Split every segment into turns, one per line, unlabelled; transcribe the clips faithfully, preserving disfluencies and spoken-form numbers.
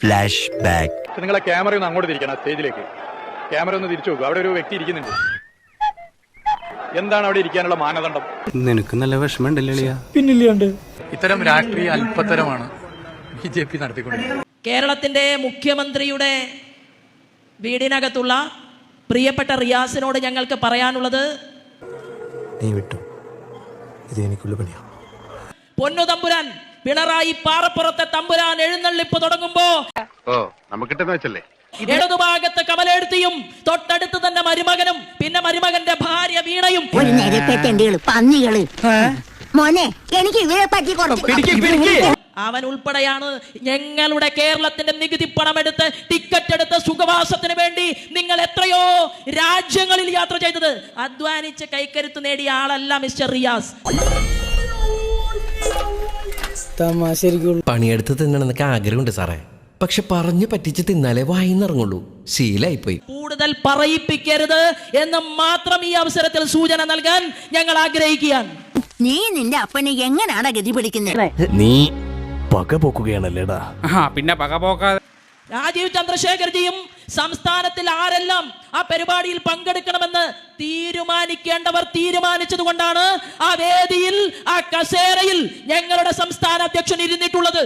Flash back.
നിങ്ങളെ camera ഒന്ന് അങ്ങോട്ട് തിരിക്കണം, സ്റ്റേജിലേക്ക് ക്യാമറ ഒന്ന് തിരിച്ചു നോക്കുക. അവിടെ ഒരു വ്യക്തി ഇരിക്കുന്നുണ്ട്. എന്താണ് അവിടെ ഇരിക്കാനുള്ള മാനദണ്ഡം?
നിനക്ക് നല്ല വിഷമമുണ്ടല്ലേ?
പിന്നില്ലാണ്ട്
ഇത്തരം രാഷ്ട്രീയ അല്പത്തരമാണ് ബി ജെ പി നടത്തിക്കൊണ്ടിരിക്കുന്നത്.
കേരളത്തിന്റെ മുഖ്യമന്ത്രിയുടെ വീടിനകത്തുള്ള പ്രിയപ്പെട്ട റിയാസിനോട് ഞങ്ങൾക്ക് പറയാനുള്ളത്,
നീ വിട്ടു, ഇത് എനിക്കുള്ള പണിയാ.
പൊന്നു തമ്പുരാൻ പിണറായി പാറപ്പുറത്തെ തമ്പുരാൻ എഴുന്നള്ളിപ്പ് തുടങ്ങുമ്പോ ഇടതുഭാഗത്ത് കമലെടുത്തിയും തൊട്ടടുത്ത് തന്നെ മരുമകനും പിന്നെ മരുമകന്റെ ഭാര്യ വീണയും
പന്നികള് മോനെ എനിക്ക് ഇവരെ പറ്റി
അവൻ ഉൾപ്പെടെയാണ് ഞങ്ങളുടെ കേരളത്തിന്റെ നികുതി പണമെടുത്ത് ടിക്കറ്റ് എടുത്ത് സുഖവാസത്തിന് വേണ്ടി നിങ്ങൾ എത്രയോ രാജ്യങ്ങളിൽ യാത്ര ചെയ്തത്. അധ്വാനിച്ച് കൈക്കരുത്ത് നേടിയ ആളല്ല മിസ്റ്റർ റിയാസ്.
പണിയെടുത്ത് തിന്നണമെന്നൊക്കെ ആഗ്രഹമുണ്ട് സാറേ, പക്ഷെ പറഞ്ഞു പറ്റിച്ച് തിന്നാലേ വായിന്നിറങ്ങുള്ളൂ. ശീലായിപ്പോയി.
കൂടുതൽ പറയിപ്പിക്കരുത് എന്ന് മാത്രം ഈ അവസരത്തിൽ സൂചന നൽകാൻ ഞങ്ങൾ ആഗ്രഹിക്കുകയാണ്.
നീ നിന്റെ അപ്പനെ എങ്ങനെയാണ് ഗതി പിടിക്കുന്നത്?
നീ പക പോക്കുകയാണല്ലേടാ.
പിന്നെ പക പോക്കാതെ
രാജീവ് ചന്ദ്രശേഖർജിയും സംസ്ഥാനത്തിൽ ആരെല്ലാം ആ പരിപാടിയിൽ പങ്കെടുക്കണമെന്ന് തീരുമാനിക്കേണ്ടവർ തീരുമാനിച്ചത് കൊണ്ടാണ് ആ വേദിയിൽ ആ കസേരയിൽ ഞങ്ങളുടെ സംസ്ഥാന അധ്യക്ഷൻ ഇരുന്നിട്ടുള്ളത്.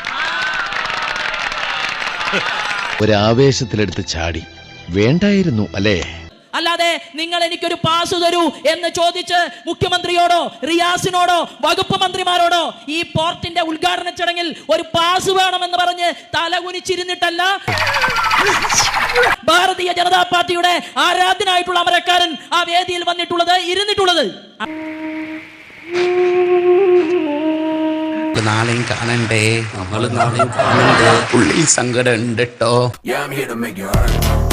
ഒരാവേശത്തിലെടുത്ത് ചാടി വേണ്ടായിരുന്നു അല്ലേ?
അല്ലാതെ നിങ്ങൾ എനിക്കൊരു പാസ് തരൂ എന്ന് ചോദിച്ച് മുഖ്യമന്ത്രിയോടോ റിയാസിനോടോ വകുപ്പ് മന്ത്രിമാരോടോ ഈ പോർട്ടിന്റെ ഉദ്ഘാടന ചടങ്ങിൽ ഒരു പാസ് വേണമെന്ന് പറഞ്ഞ് തലകുനിച്ചിരുന്നിട്ടല്ല ഭാരതീയ ജനതാ പാർട്ടിയുടെ ആരാധ്യനായിട്ടുള്ള അമരക്കാരൻ ആ വേദിയിൽ വന്നിട്ടുള്ളത് ഇരുന്നിട്ടുള്ളത്.
നാളെയും കാണണ്ടേ, നമ്മൾ നാളെയും കാണണ്ടേ. ഉള്ളിൽ സങ്കടം ഉണ്ട് കേട്ടോ.